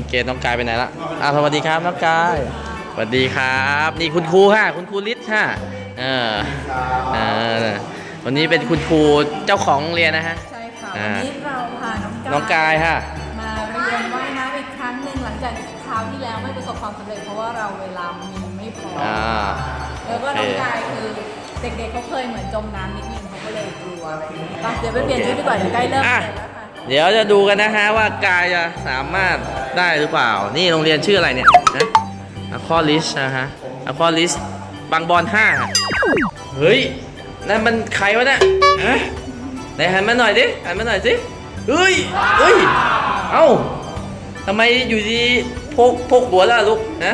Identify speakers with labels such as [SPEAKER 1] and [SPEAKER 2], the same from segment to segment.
[SPEAKER 1] เกดน้องกายไปไหนละสวัสดีครับน้องกายสวัสดีครับนี่คุณครูค่ะคุณครูฤทธิ์ค่ะเออวันนี้เป็นคุณครูเจ้าของโรงเรียนนะฮะ
[SPEAKER 2] ใช่ค่ะวันนี้เราพา
[SPEAKER 1] น้องกายค่ะ
[SPEAKER 2] มาเรียนว่ายน้ำอีกครั้งหนึ่งหลังจากคราวที่แล้วไม่ประสบความสำเร็จเพราะว่าเราเวลามีไม่พอแล้วก็น้องกายคือเด็กๆเขาเคยเหมือนจมน้ำนิดนึงเขาก็เลยกลัวเดี๋ยวไปเปลี่ยนชุดดีกว่าเดี๋ยวใกล้เริ่มแล้วค่ะ
[SPEAKER 1] เดี๋ยวจะดูกันนะฮะว่ากายจะสามารถได้หรือเปล่านี่โรงเรียนชื่ออะไรเนี่ยนะอะคอลิสนะฮะอะคอลิสบางบอน5เฮ้ยนั่นมันใครวะเนี่ยฮะไหนหันมาหน่อยดิหันมาหน่อยสิเฮ้ยเอ้าทำไมอยู่ดีพกหัวแล้วลูกนะ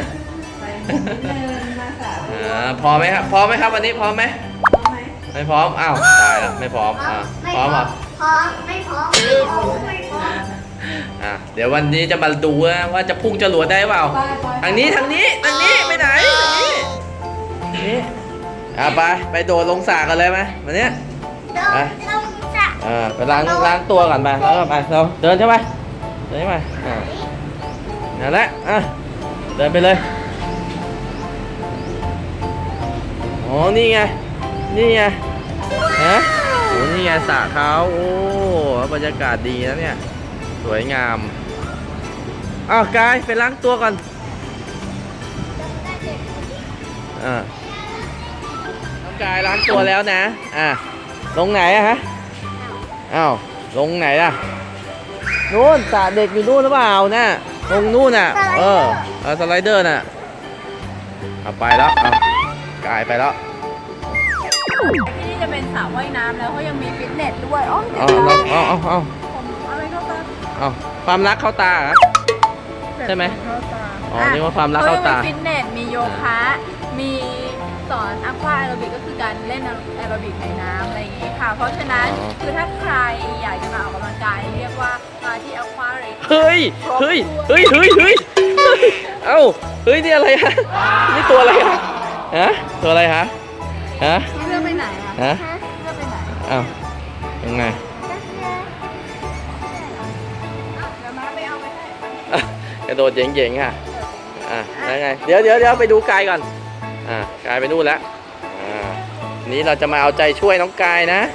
[SPEAKER 1] พอไหมครับพร้อมไหมครับวันนี้พร้อมไหมไม่พร้อมอ้าวตายแล้วไม่พร้อมพร้อมเหรอ
[SPEAKER 3] พร้อมไม่พร้อม
[SPEAKER 1] เดี๋ยววันนี้จะมาดูว่าจะพุ่งจรวดได้เปล่าทางนี้ไปไหนนี่ไปโดดลงสระกันเลยไหมวันนี้ไปไปล้างตัวก่อนไปแล้วก็ไปเราเดินใช่ไหมนั่นแหละเดินไปเลยอ๋อนี่ไงฮะโอ้นี่ไงสระเขาโอ้บรรยากาศดีนะเนี่ยสวยงามกายไปล้างตัวก่อนน้องกายล้างตัวแล้วนะลงไหนฮะลงไหนล่ะนู่นสระเด็กอยู่นู่นหรือเปล่านะลงนู่นสไลเดอร์น่ะไปแล้วกายไปแล้ว
[SPEAKER 2] ที่นี่จะเป็นสระว่ายน้ำแล้วเขายังมีฟิตเนสด้วย
[SPEAKER 1] เอา
[SPEAKER 2] อะไรเข้าตา
[SPEAKER 1] ความรักเข้าตาใช่ไหมนี่ว่าความรักเข้าตา
[SPEAKER 2] ฟิตเนสมีโยคะมีสอนอะควาแอโรบิกก็คือการเล่นแอโรบิกในน้ำอะไรอย่างนี้ค่ะเพราะฉะนั้นคือถ้าใครอยากจะมาออกกำลังกายเรียกว่ามาที่อะควาเรก
[SPEAKER 1] เฮ้ยนี่อะไรฮะนี่ตัวอะไรฮะตัวอะไรฮะ
[SPEAKER 2] เพื่อไปไหนเพื่อไปไหน
[SPEAKER 1] ยังไง
[SPEAKER 2] จะมาไปเอาไปให้
[SPEAKER 1] กระโดดเจ๋งๆค่ะยังไงเดี๋ยวไปดูกายก่อนกายไปนู่นแล้วนี้เราจะมาเอาใจช่วยน้องกายนะ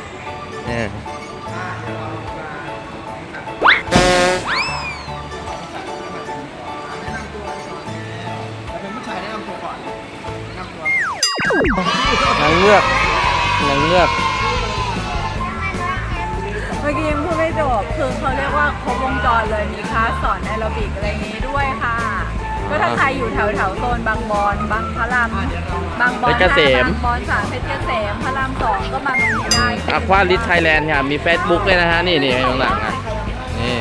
[SPEAKER 1] นางเงือกเมื่อ
[SPEAKER 2] กี้ยังพูดไม่จบคือเขาเรียกว่าครบวงจรเลยมีคลาสสอนแอโรบิกอะไรอย่างนี้ด้วยค่ะก็ถ้าใครอยู่แถวโซนบางบอนบางพระรามบางบอน
[SPEAKER 1] เพชรเกษม
[SPEAKER 2] บอน3เพชรเกษมพระราม2ก็มาตรงนี้ได้
[SPEAKER 1] อะควาลิสไทยแลนด์ค่ะมี Facebook เลยนะฮะนี่ข้างหลังนี่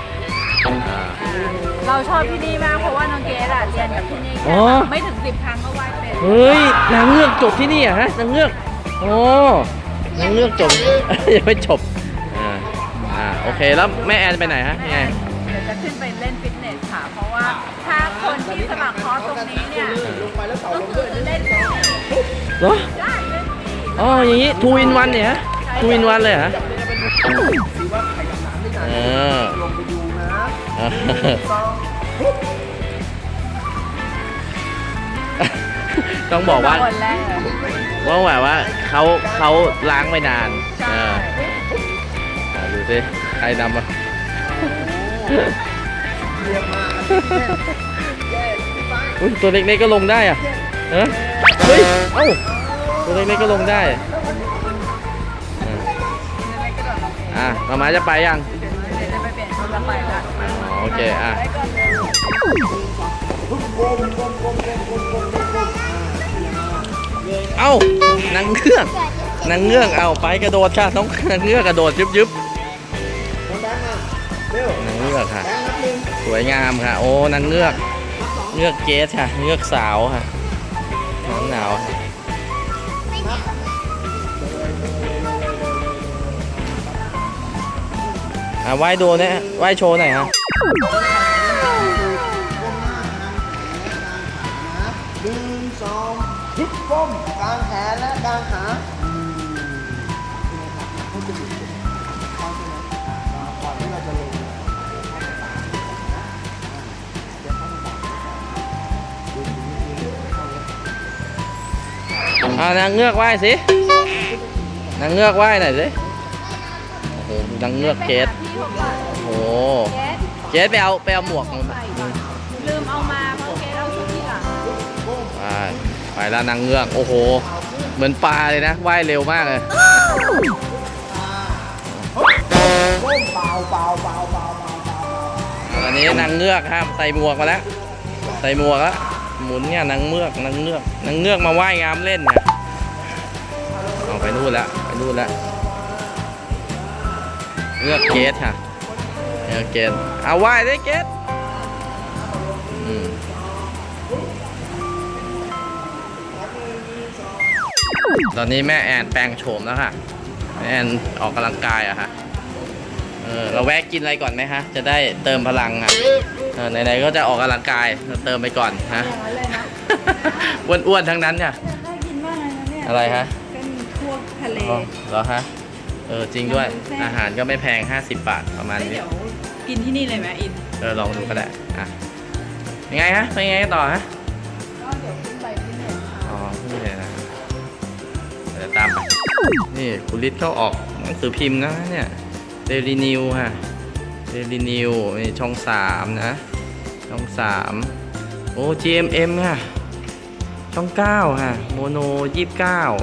[SPEAKER 2] เราชอบที่นี่มากเพราะว่าน้องเกดเรียนกับที่นี่ไม่ถึง10 ครั้งก็ว่ายเป็น
[SPEAKER 1] เฮ้ยนางเงือกจบที่นี่ฮะนางเงือกนางเงือกจบยังไม่จบโอเคแล้วแม่แอนไปไหนฮะยังไง
[SPEAKER 2] เดี๋ยวจะขึ้นไปเล่นฟิตเนสค่ะเพราะว่าถ้าคนที่สมัครคอร์สตรงนี้เนี่ยก็คือเล่นฟรี
[SPEAKER 1] เหรอ
[SPEAKER 2] ได้เล่นฟรี
[SPEAKER 1] อย่างนี้2 in 1เนี่ยฮะ2 in 1เลยฮะต้องบอกว่าแบบว่าเขาล้างไปนานดูสิใครนำมาตัวเล็กๆก็ลงได้เฮ้ยตัวเล็กๆก็ลงได้มาจะไปยัง
[SPEAKER 2] จะไปเปลี่ยนชุดแล้วไปละ
[SPEAKER 1] โอเคนางเงือกไปกระโดดค่ะน้องนางเงือกกระโดดยึบนางเงือกค่ะสวยงามค่ะโอ้นางเงือกเกสค่ะเงือกสาวค่ะหนาวว่ายดูเนี่ยว่ายโชว์หน่อยฮะ
[SPEAKER 3] ฮิปป้มกลางแขนและกลางขาก่อนที่เราจะลง
[SPEAKER 1] นางเงือกว่ายสินางเงือกว่ายหน่อยสิโอ้โหนางเงือกเกสโอ้โหเกสไปเอาหมวกมา
[SPEAKER 2] ลืมเอามาเพราะเกดเอาชุดที่หลัง
[SPEAKER 1] ไปแล้วนางเงือกโอ้โหเหมือนปลาเลยนะว่ายเร็วมากเลย
[SPEAKER 3] ก้มเบาเบาเบาเบาเบาเบา
[SPEAKER 1] ตอนนี้นางเงือกครับใส่หมวกมาแล้วใส่หมวกแล้วหมุนเนี่ยนางเงือกมาว่ายน้ำเล่นเนี่ยเอาไปนู่นแล้วเงือกเกสค่ะเงือกเกสเอาว่ายได้เกสตอนนี้แม่แอนแปลงโฉมแล้วค่ะแม่แอนออกกำลังกายอะค่ะเราแวะกินอะไรก่อนไหมคะจะได้เติมพลังอ่ะไหนๆก็จะออกกำลังกายเราเติมไปก่อนฮะ
[SPEAKER 2] อย่างนั้นเลยนะ
[SPEAKER 1] อ้วนๆทั้งนั้นเนี่ย
[SPEAKER 2] น่ากินมากเลยนะเนี่ย
[SPEAKER 1] อะไรฮะ
[SPEAKER 2] เป็นพวกทะเล
[SPEAKER 1] อ๋อเหรอฮะจริงด้วยอาหารก็ไม่แพง50 บาทประมาณนี้
[SPEAKER 2] เดี๋ยวกินที่นี่เลยไหมอิน
[SPEAKER 1] ลองดูก็ได้อ่ะยังไงฮะไปยังไงต่อฮะ
[SPEAKER 2] ก็เดี๋ยวขึ้นไปที่เนี่ยค่ะ
[SPEAKER 1] อ๋อนี่เลยนะเดี๋ยวตามไปนี่คุณฤทธิ์เขาออกหนังสือพิมพ์นะเนี่ยเดลินิวฮะเดลินิวนี่ช่อง3นะช่อง3โอ้ GMM ค่ะช่อง9ค่ะโมโน29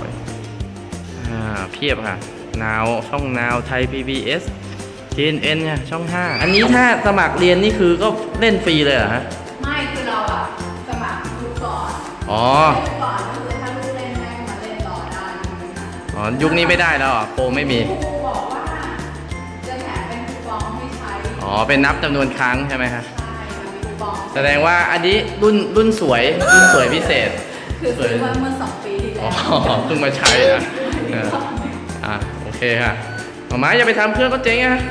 [SPEAKER 1] เพียบค่ะนาวช่องนาวไทย PBS TNN ค่ะช่อง 5อันนี้ถ้าสมัครเรียนนี่คือก็เล่นฟรีเลยเหรอฮะ
[SPEAKER 2] ไม่คือเราอะสมัครดูก่อน
[SPEAKER 1] อ๋อ
[SPEAKER 2] เล่นก่อนก็คือถ้าลูกเล่นได้มาเล่นต่อได้ไม่มีปัญหา
[SPEAKER 1] อ๋อยุคนี้ไม่ได้แล้วเหรอโปรไม่มี
[SPEAKER 2] ครูบอกว่าจะแถมเป็นคูปองให้ใช้
[SPEAKER 1] อ๋อเป็นนับจำนวนครั้งใช่ไหมฮะ
[SPEAKER 2] ใช่ค่ะมีคูปอง
[SPEAKER 1] แสดงว่าอันนี้รุ่นสวยพิเศษ
[SPEAKER 2] คือซื้อมาเมื่อ2 ปีที่
[SPEAKER 1] อ๋
[SPEAKER 2] แล้
[SPEAKER 1] อ
[SPEAKER 2] ว
[SPEAKER 1] เพิ่งมาใช้นะโอเคค่ะหมาม้าอย่าไปทำเครื่องก็เจ๊งอะ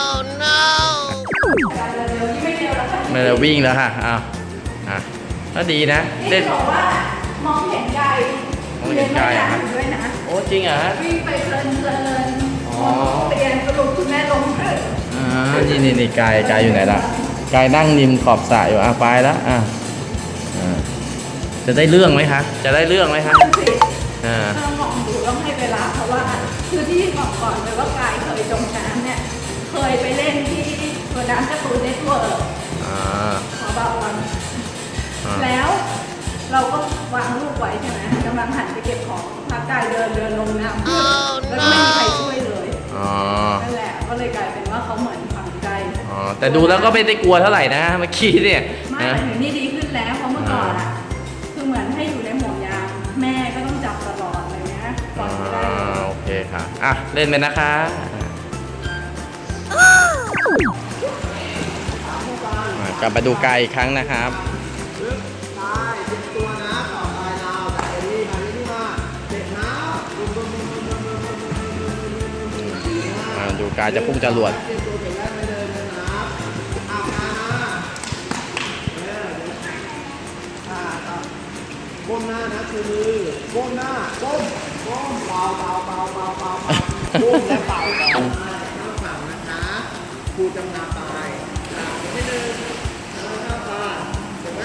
[SPEAKER 1] ไม่ได้วิ่งแล้วค่ะก็ดีนะเล่น
[SPEAKER 2] บอกว่ามองเห็นไกล
[SPEAKER 1] มองเห็นไกลอะ
[SPEAKER 2] เรียนไม่ได้ด้วยนะ
[SPEAKER 1] โอ้จริงเหรอฮะ
[SPEAKER 2] วิ่งไปเพลิน
[SPEAKER 1] อ๋อ
[SPEAKER 2] เรียนสรุปคุณแม่ลงเลย
[SPEAKER 1] นี่กายอยู่ไหนล่ะกายนั่งริมขอบสระอยู่ไปแล้วจะได้เรื่องไหมคะจะได้เรื่องไหมคะ
[SPEAKER 2] สิต้องมองดูต้องให้เวลาเพราะว่าคือที่บอกก่อนเลยว่ากายเคยจมน้ำเนี่ยเคยไปเล่นที่ตัวน้ำการ์ตูนเน็ตเวิร์กขอบางวันแล้วเราก็วางลูกไว้ใช่ไหมกำลังหันไปเก็บของพากายเดินลงน้ำแล้วก็ไม่มีใครช่วยเลยนั่นแหละก็เลยกลายเป็นว่าเขาเหมือนฝังใจ
[SPEAKER 1] แต่ดูแล้วก็ไม่ได้กลัวเท่าไหร่นะเมื่อกี้เนี่ย
[SPEAKER 2] ไม่แต่ถึงนี่ดีขึ้นแล้วเพราะเมื่อก่อนอ่ะคือเหมือนให้อยู่ในห่วงยางแม่ก็ต้องจับตลอดอะไรเงี้ยก่อนจะได้
[SPEAKER 1] โอเคค่ะเล่นไปนะคะกลับมาดูไกลอีกครั้งนะครับ
[SPEAKER 3] ตายเป็นตัวนะต่อไปเราจากเอลี่มาที่มาเด็ดน้ำ
[SPEAKER 1] ดูกายจะพุ่งจรวด
[SPEAKER 3] เป็นตัวเก่งแรกไม่เดินเลยนะเอามาก้มหน้านะคือมือก้มหน้าก้มเบาก้มและเบาเข้าฝั่งนะคะครูจำนาตายไม่เดินเข้าตาเห็นไหม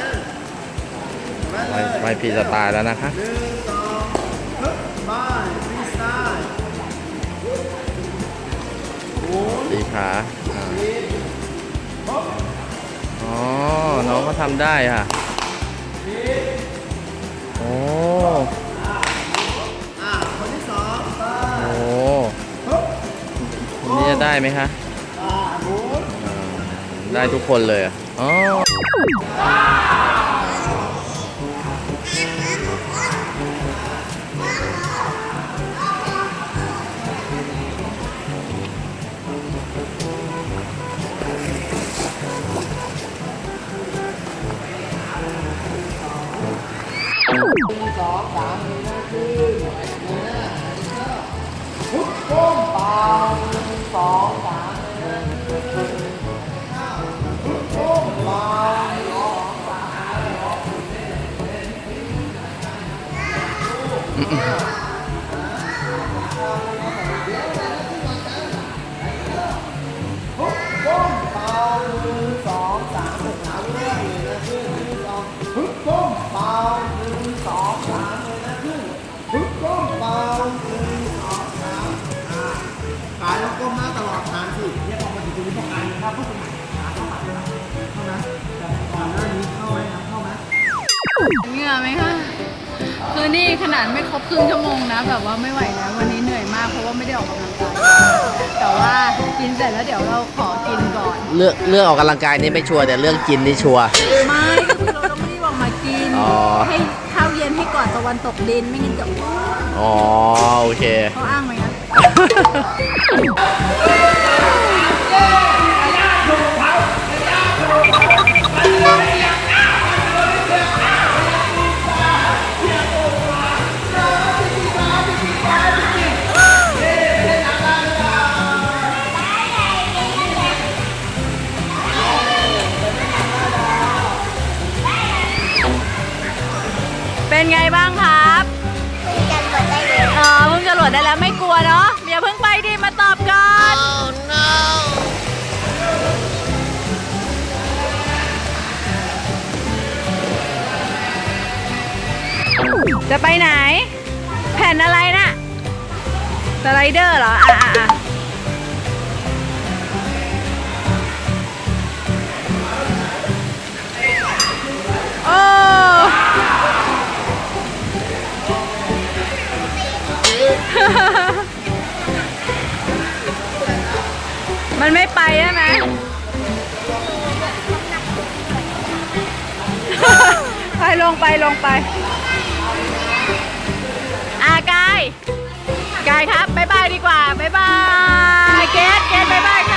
[SPEAKER 1] ไม่พีจะตายแล้วนะคะ
[SPEAKER 3] 1 2ฮึบไปฟรีสไตล์หมุน
[SPEAKER 1] ตีขาอ๋อ น้องก็ทำได้ค่ะ โอ้
[SPEAKER 3] คนที่ 2
[SPEAKER 1] โอ้นี่จะได้ไหมคะ
[SPEAKER 3] หมุน
[SPEAKER 1] ได้ทุกคนเลยอ๋อ
[SPEAKER 3] ฮึบก้มเบา1 2 3ฮึบก้มเบาฮึบก้มเบา1 2 3เลยนะขึ้น1 2ฮึบก้มเบา1 2 3เลยนะขึ้นฮึบ
[SPEAKER 2] คือนี่ขนาดไม่ครบครึ่งชั่วโมงนะ แบบว่าไม่ไหวแล้ววันนี้เหนื่อยมากเพราะว่าไม่ได้ออกกำลังกายแต่ว่ากินเสร็จแล้วเดี๋ยวเราขอกินก่อน
[SPEAKER 1] เรื่องออกกำลังกายนี่ไม่ชัวร์แต่เรื่องกินนี่ชัวร์
[SPEAKER 2] ไม่ก็คือเราต้องรีบออกมากิน
[SPEAKER 1] อ๋อ
[SPEAKER 2] ให้ข้าวเย็นให้ก่อนตะวันตกดินไม่งั้นจะอ้วน
[SPEAKER 1] อ๋อโอเค
[SPEAKER 2] เขาอ้างไหมงั้น เป็นไงบ้างครับเพิ่งจะโหลดได้แล้วเพิ่งจะโหลดได้แล้วไม่กลัวเนาะอย่าเพิ่งไปดิมาตอบก่อน จะไปไหน แผ่นอะไรน่ะสไลเดอร์เหรอโอ้ มันไม่ไปใช่ไหม ไปลงไปกายครับบ๊ายบายดีกว่าบ๊ายบายเกดบ๊ายบายค่ะ